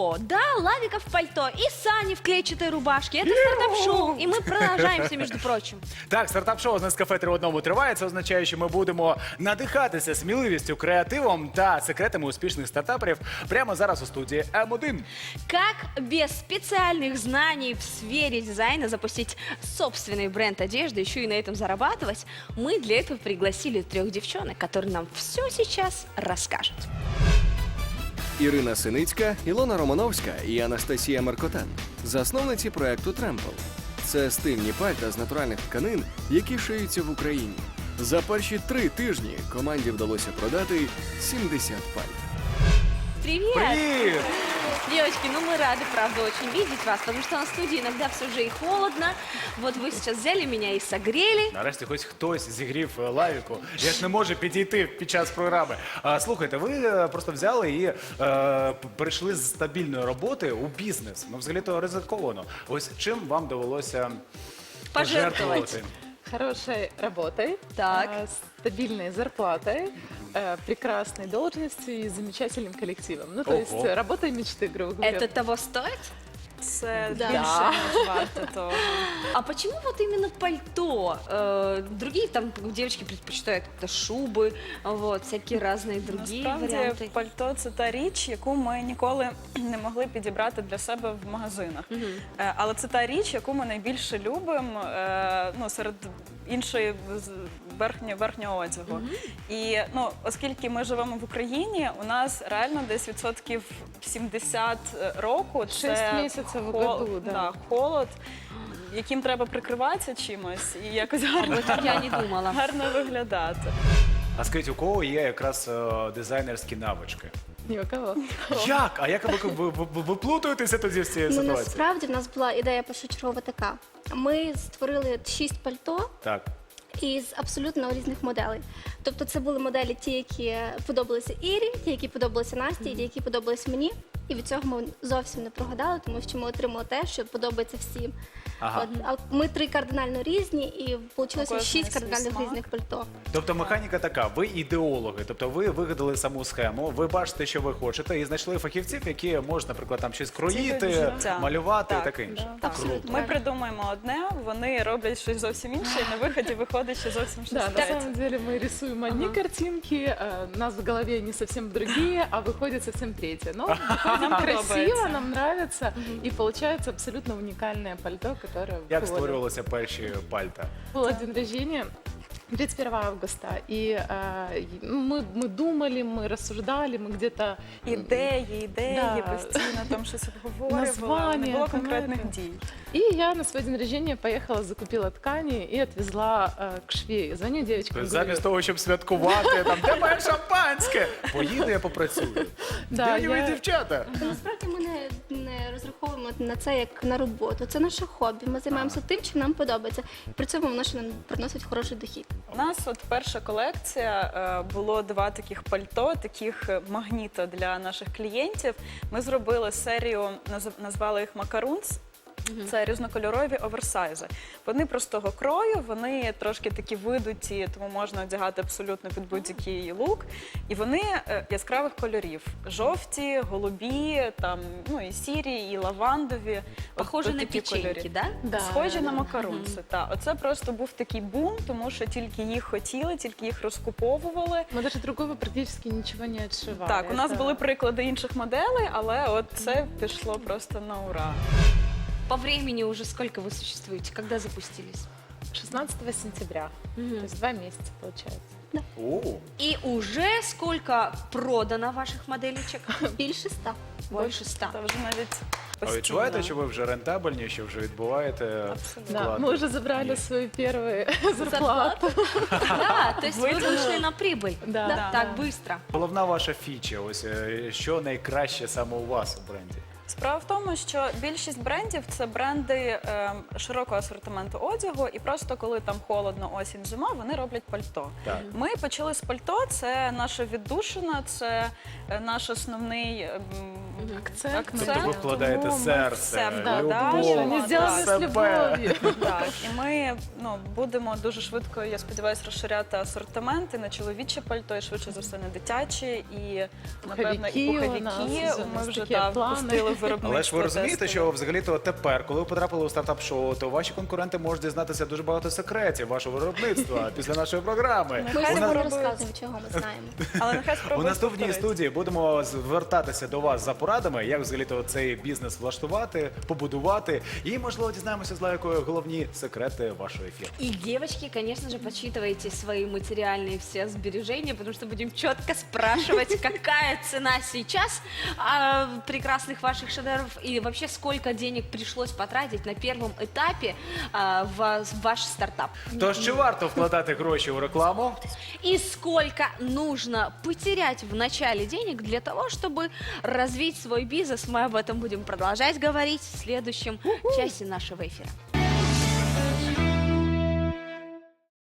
пальто. Да, Лавика в пальто и Сани в клетчатой рубашке. Это стартап-шоу, и мы продолжаемся, между прочим. Так, стартап-шоу з Нескафе 3 в одному триває. Це означає, що ми будемо надихатися сміливістю, креативом та секретами успішних стартаперів прямо зараз у студії М1. Как без специальных знаний в сфере дизайна запустить собственный бренд одежды, еще и на этом зарабатывать, мы для этого пригласили 3 девчонок, которые нам все сейчас расскажут. Ірина Синицька, Ілона Романовська і Анастасія Маркотан – засновниці проекту «Тремпл». Це стильні пальта з натуральних тканин, які шиються в Україні. За перші 3 тижні команді вдалося продати 70 пальт. Привет! Привіт! Девочки, ну мы рады, правда, очень видеть вас, потому что на студии иногда все же и холодно. Вот вы сейчас взяли меня и согрели. Нарешті хоч хтось зігрів Лавіку. Я ж не можу підійти під час програми. Слухайте, ви просто взяли і перейшли з стабільної роботи у бізнес. Ну, взагалі-то ризиковано. Ось чим вам довелося Пожертвовать. пожертвувати? Хорошей работой, Так. стабильной зарплатой, прекрасной должностью и замечательным коллективом. Ну, то Ого. есть работа мечты, грубо говоря. Это того стоит? Це Да. більше, ніж варто того. А почему вот именно пальто? Другие там девочки предпочитают это шубы, вот, всякие разные другие Насправді, варианты. пальто – це та річ, яку ми ніколи не могли підібрати для себе в магазинах. Але це та річ, яку ми найбільше любимо серед іншої верхнього одягу. І оскільки ми живемо в Україні, у нас реально десь відсотків 70 року це 6 місяців в году, да. холод, яким треба прикриватися чимось і якось Вот я не думала. гарно виглядати. А скажіть, у кого є якраз дизайнерські навички? Ни у кого. Як? А як ви плутаєтеся тоді з цією Ну, ситуацією? насправді в нас була ідея першочергова така. Ми створили 6 пальто Так. із абсолютно різних моделей. Тобто це були моделі ті, які подобалися Ірі, ті, які подобалися Насті, ті, які подобалися мені. І від цього ми зовсім не прогадали, тому що ми отримали те, що подобається всім. Ага. От, а ми 3 кардинально різні, і вийшло кожної 6 свій кардинально смак. різних пальто. Тобто механіка така, ви ідеологи, тобто ви вигадали саму схему, ви бачите, що ви хочете, і знайшли фахівців, які можуть, наприклад, там щось кроїти, життя. малювати і Так, таке інше. так. Абсолютно. Ми придумаємо одне, вони роблять щось зовсім інше, і на виході виходить ще зовсім щось Да, на третє. самом деле мы рисуем одни картинки, у нас в голове не совсем другие, а выходит совсем третье. Но выходит красиво, подобается. нам нравится, и получается абсолютно уникальное пальто, которое Як входит. створювалися перші пальта? Был день рождения 31 августа, и мы думали, мы рассуждали, мы где-то... Ідеї, Да. постійно там щось обговорювали, Названня, не було там конкретних это. дій. И я на свой день рождения поехала, закупила ткани и отвезла к швее. Звоню девочкам, Тобто говорю, замість того, щоб святкувати, там, де моє шампанське? Поїду, я попрацюю. Да, Де ви, я- дівчата? Насправді ми не розраховуємо на це як на роботу. Це наше хобі. Ми займаємося тим, чим нам подобається. І при цьому воно ще нам приносить хороший дохід. У нас от перша колекція, було 2 таких пальто, таких магніта для наших клієнтів. Ми зробили серію, назвали їх «Макарунс». Це різнокольорові оверсайзи. Вони простого крою, вони трошки такі видуті, тому можна одягати абсолютно під будь-який лук. І вони яскравих кольорів. Жовті, голубі, там, і сірі, і лавандові. Похоже От на такі печеньки, кольори. да? Да, Схожі да, на да. макарунси. Так. Оце просто був такий бум, тому що тільки їх хотіли, тільки їх розкуповували. Мы даже другого практически ничего не отшивали. Так, у нас Это- були приклади інших моделей, але от це пішло просто на ура. По времени уже сколько вы существуете? Когда запустились? 16 сентября, то есть 2 месяца получается. О, И уже сколько продано ваших моделечек? Більше 100. Больше 100. Це вже навіть а постійно. відчуваєте, що ви вже рентабельні, що вже відбуваєте Абсолютно. Да, вклад? мы уже забрали свою первую зарплату. Да, то есть вы Вытянула. вышли на прибыль. Да. Да. Так быстро. Головна ваша фіча, ось що найкраще саме у вас у бренді? Справа в тому, що більшість брендів це бренди широкого асортименту одягу, і просто коли там холодно, осінь, зима, вони роблять пальто. Так. Ми почали з пальто, це наша віддушина, це наш основний Акцент. Тобто ви вкладаєте тому ми серце, все Да, вкладаємо, да, они сделаны с себе. любовью. Так, і ми будемо дуже швидко, я сподіваюся, розширяти асортимент і на чоловіче пальто, і швидше за все на дитячі, і напевно і Пуховики у нас, пуховики. у нас Ми вже такі плани. впустили виробництво. Але ж ви розумієте, тестове. що взагалі-то тепер, коли ви потрапили у стартап-шоу, то ваші конкуренти можуть дізнатися дуже багато секретів вашого виробництва після нашої програми. Ми Нехай всім не спробують. розказуємо, чого ми знаємо. Але нехай У спробують наступній повторити. студії будемо звертатися до вас за порадами, як взагалі-то цей бізнес влаштувати, побудувати. І, можливо, дізнаємося з Лайкою головні секрети вашого ефіру. И, девочки, конечно же, подсчитывайте свои материальные все сбережения, потому что будем четко спрашивать, какая цена сейчас прекрасных ваших шедевров и вообще сколько денег пришлось потратить на первом этапе в ваш стартап. Тож, чи варто вкладати гроші у рекламу? И сколько нужно потерять в начале денег для того, чтобы развить свой бизнес. Мы об этом будем продолжать говорить в следующем часе нашего эфира.